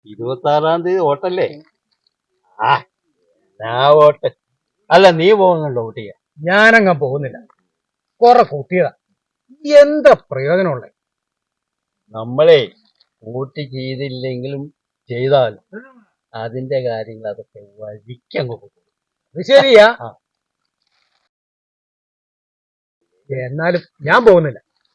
26-ാം തീയതി വോട്ടല്ലേ? ആ ഞാൻ വോട്ട്. അല്ല, നീ പോകുന്നുണ്ടോ വോട്ട് ചെയ്യാൻ? ഞാനങ്ങ പോകുന്നില്ല. കുറെ കൂട്ടിയതാ, എന്താ പ്രയോജനമുള്ളേ? നമ്മളെ വോട്ട് ചെയ്തില്ലെങ്കിലും ചെയ്താലും അതിന്റെ കാര്യങ്ങൾ അതൊക്കെ വഴിക്കങ്ങ് പോകും. അത് ശരിയാ, ആ. എന്നാലും ഞാൻ പോകുന്നില്ല.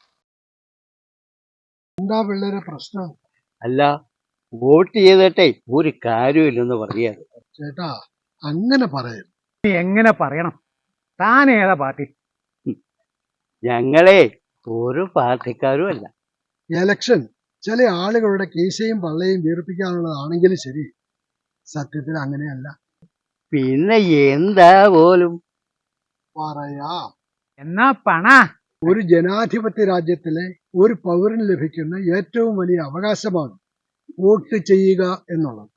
എന്താ പിള്ളേരെ പ്രശ്നം? അല്ല, വോട്ട് ചെയ്തിട്ടേ ഒരു കാര്യമില്ലെന്ന് പറയാതെ. ചേട്ടാ, അങ്ങനെ പറയരുത്. നീ എങ്ങനെ പറയണം? താൻ ഏതാ പാർട്ടി? ഞങ്ങളെ ഒരു പാർട്ടിക്കാരും അല്ല. എലക്ഷൻ ചില ആളുകളുടെ കീശയും പള്ളയും വീർപ്പിക്കാനുള്ളതാണെങ്കിലും ശരി, സത്യത്തിൽ അങ്ങനെയല്ല. പിന്നെ എന്താ പോലും പറയാം. എന്നാ പണ ഒരു ജനാധിപത്യ രാജ്യത്തിലെ ഒരു പൗരന് ലഭിക്കുന്ന ഏറ്റവും വലിയ അവകാശമാണ് വോട്ട് ചെയ്യുക എന്നുള്ളത്.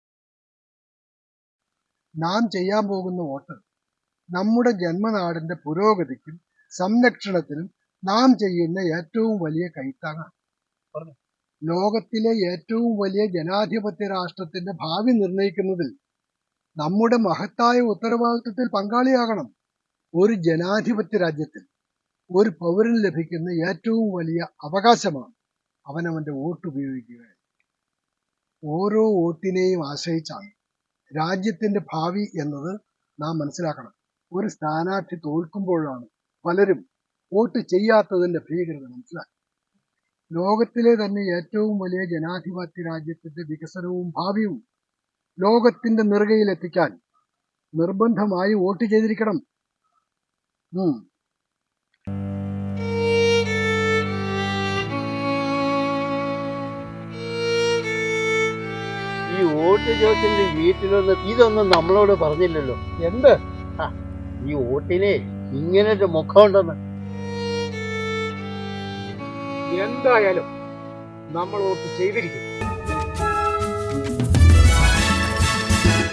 നാം ചെയ്യാൻ പോകുന്ന വോട്ട് നമ്മുടെ ജന്മനാടിന്റെ പുരോഗതിക്കും സംരക്ഷണത്തിനും നാം ചെയ്യുന്ന ഏറ്റവും വലിയ കൈത്താങ്ങാണ്. ലോകത്തിലെ ഏറ്റവും വലിയ ജനാധിപത്യ രാഷ്ട്രത്തിന്റെ ഭാവി നിർണയിക്കുന്നതിൽ നമ്മുടെ മഹത്തായ ഉത്തരവാദിത്വത്തിൽ പങ്കാളിയാകണം. ഒരു ജനാധിപത്യ രാജ്യത്തിൽ ഒരു പൗരന് ലഭിക്കുന്ന ഏറ്റവും വലിയ അവകാശമാണ് അവനവന്റെ വോട്ട് ഉപയോഗിക്കുക. ഓരോ വോട്ടിനെയും ആശ്രയിച്ചാണ് രാജ്യത്തിന്റെ ഭാവി എന്നത് നാം മനസ്സിലാക്കണം. ഒരു സ്ഥാനാർത്ഥി തോൽക്കുമ്പോഴാണ് പലരും വോട്ട് ചെയ്യാത്തതിന്റെ ഭീകരത മനസ്സിലാക്കുക. ലോകത്തിലെ തന്നെ ഏറ്റവും വലിയ ജനാധിപത്യ രാജ്യത്തിന്റെ വികസനവും ഭാവിയും ലോകത്തിന്റെ നെറുകയിലെത്തിക്കാൻ നിർബന്ധമായി വോട്ട് ചെയ്തിരിക്കണം. ഈ വോട്ട് ചോദിച്ചിട്ട് വീട്ടിലൊന്ന് ഇതൊന്നും നമ്മളോട് പറഞ്ഞില്ലല്ലോ. എന്ത്? ഈ വോട്ടിനെ ഇങ്ങനൊരു മുഖമുണ്ടെന്ന്. എന്തായാലും നമ്മൾ വോട്ട് ചെയ്തിരിക്കും.